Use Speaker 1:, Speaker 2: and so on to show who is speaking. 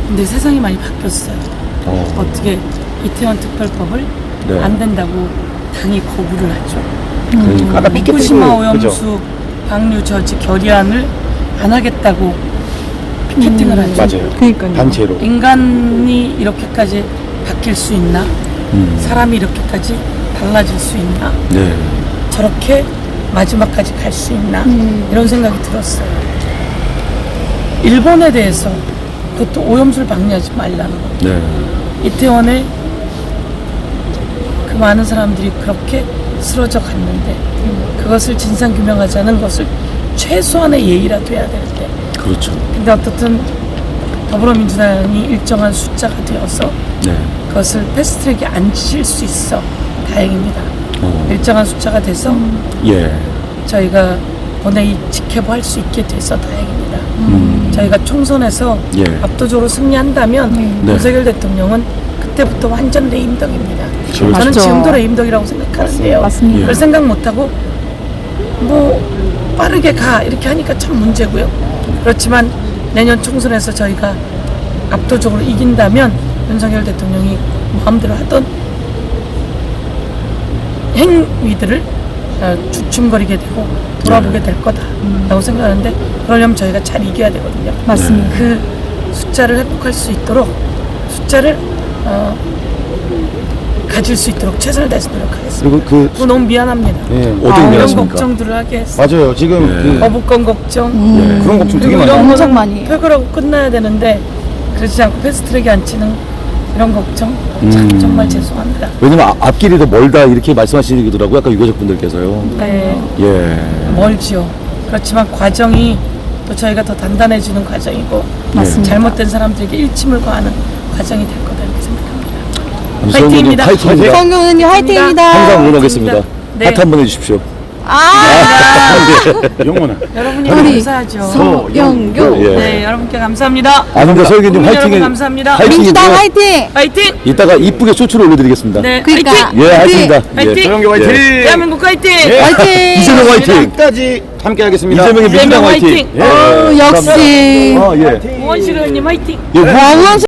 Speaker 1: 근데 세상이 많이 바뀌었어요. 어떻게 이태원 특별법을
Speaker 2: 네.
Speaker 1: 안 된다고 당이 거부를 하죠.
Speaker 2: 그러니까 아까
Speaker 1: 후쿠시마 오염수
Speaker 2: 그죠?
Speaker 1: 방류 저지 결의안을 안 하겠다고 피켓팅을 하죠.
Speaker 2: 맞아요.
Speaker 3: 그러니까요.
Speaker 2: 단체로.
Speaker 1: 인간이 이렇게까지 바뀔 수 있나? 사람이 이렇게까지 달라질 수 있나?
Speaker 2: 네.
Speaker 1: 저렇게 마지막까지 갈 수 있나? 이런 생각이 들었어요. 일본에 대해서 그것도 오염수를 방류하지 말라는 거.
Speaker 2: 네.
Speaker 1: 이태원에 그 많은 사람들이 그렇게 쓰러져 갔는데 그것을 진상규명하자는 것을 최소한의 예의라도 해야 되는데
Speaker 2: 그렇죠.
Speaker 1: 근데 어떻든 더불어민주당이 일정한 숫자가 되어서
Speaker 2: 네.
Speaker 1: 그것을 패스트트랙에 앉힐 수 있어 다행입니다. 일정한 숫자가 돼서
Speaker 2: 예.
Speaker 1: 저희가 본회의 직회부할 수 있게 돼서 다행입니다. 저희가 총선에서
Speaker 2: 예.
Speaker 1: 압도적으로 승리한다면
Speaker 2: 네.
Speaker 1: 윤석열 대통령은 그때부터 완전 레임덕입니다. 저는
Speaker 3: 맞죠.
Speaker 1: 지금도 레임덕이라고 생각하는데요.
Speaker 3: 맞습니다.
Speaker 1: 그걸 생각 못하고 뭐 빠르게 가 이렇게 하니까 참 문제고요. 그렇지만 내년 총선에서 저희가 압도적으로 이긴다면 윤석열 대통령이 마음대로 하던 행위들을 주춤거리게 되고 돌아보게 될 거다라고 생각하는데 그러려면 저희가 잘 이겨야 되거든요.
Speaker 3: 맞습니다.
Speaker 1: 그 숫자를 회복할 수 있도록 숫자를 가질 수 있도록 최선을 다해서 노력하겠습니다.
Speaker 2: 그리고
Speaker 1: 너무 미안합니다.
Speaker 2: 예, 어떻게
Speaker 1: 이런
Speaker 2: 미안하십니까?
Speaker 1: 걱정들을 하게 했어요.
Speaker 2: 맞아요. 지금
Speaker 1: 네. 거부권 걱정
Speaker 2: 예. 그런 걱정 되게
Speaker 1: 그리고
Speaker 2: 많아요.
Speaker 1: 이런
Speaker 3: 엄청
Speaker 1: 거는
Speaker 3: 많이 해요.
Speaker 1: 표결하고 끝나야 되는데 그렇지 않고 패스트트랙에 앉히는 이런 걱정 참 정말 죄송합니다.
Speaker 2: 왜냐면 앞길이 더 멀다 이렇게 말씀하시더라고요. 아까 유가족분들께서요.
Speaker 1: 네,
Speaker 2: 예.
Speaker 1: 멀지요. 그렇지만 과정이 또 저희가 더 단단해지는 과정이고
Speaker 3: 맞습니다.
Speaker 1: 잘못된 사람들에게 일침을 가하는 과정이 될 거다 이렇게 생각합니다.
Speaker 2: 유성균님
Speaker 1: 화이팅입니다.
Speaker 2: 화이팅입니다.
Speaker 3: 성경 의원님 화이팅입니다.
Speaker 2: 항상 응원하겠습니다.
Speaker 1: 네.
Speaker 2: 하트 한번 해주십시오.
Speaker 4: 영원아.
Speaker 1: 여러분이
Speaker 3: 우리
Speaker 1: 감사하죠.
Speaker 3: 서영교.
Speaker 2: 예.
Speaker 1: 네, 여러분께 감사합니다.
Speaker 2: 아닙니다. 서영균님
Speaker 1: 국민 여러분
Speaker 2: 화이팅.
Speaker 1: 감사합니다.
Speaker 3: 민주당 화이팅.
Speaker 1: 화이팅!
Speaker 2: 이따가 이쁘게 쇼츠를 올려드리겠습니다.
Speaker 1: 네,
Speaker 3: 그러니까.
Speaker 1: 화이팅!
Speaker 2: 예, 화이팅입니다.
Speaker 1: 화이팅!
Speaker 4: 서영교 화이팅!
Speaker 1: 대한민국 화이팅!
Speaker 3: 화이팅.
Speaker 2: 이재명 화이팅.
Speaker 4: 끝까지 함께 하겠습니다.
Speaker 2: 이재명의 민주당 화이팅.
Speaker 1: 화이팅!
Speaker 3: 역시.
Speaker 2: 아, 예.
Speaker 1: 우원실 의원님 화이팅!
Speaker 2: 예,
Speaker 3: 원원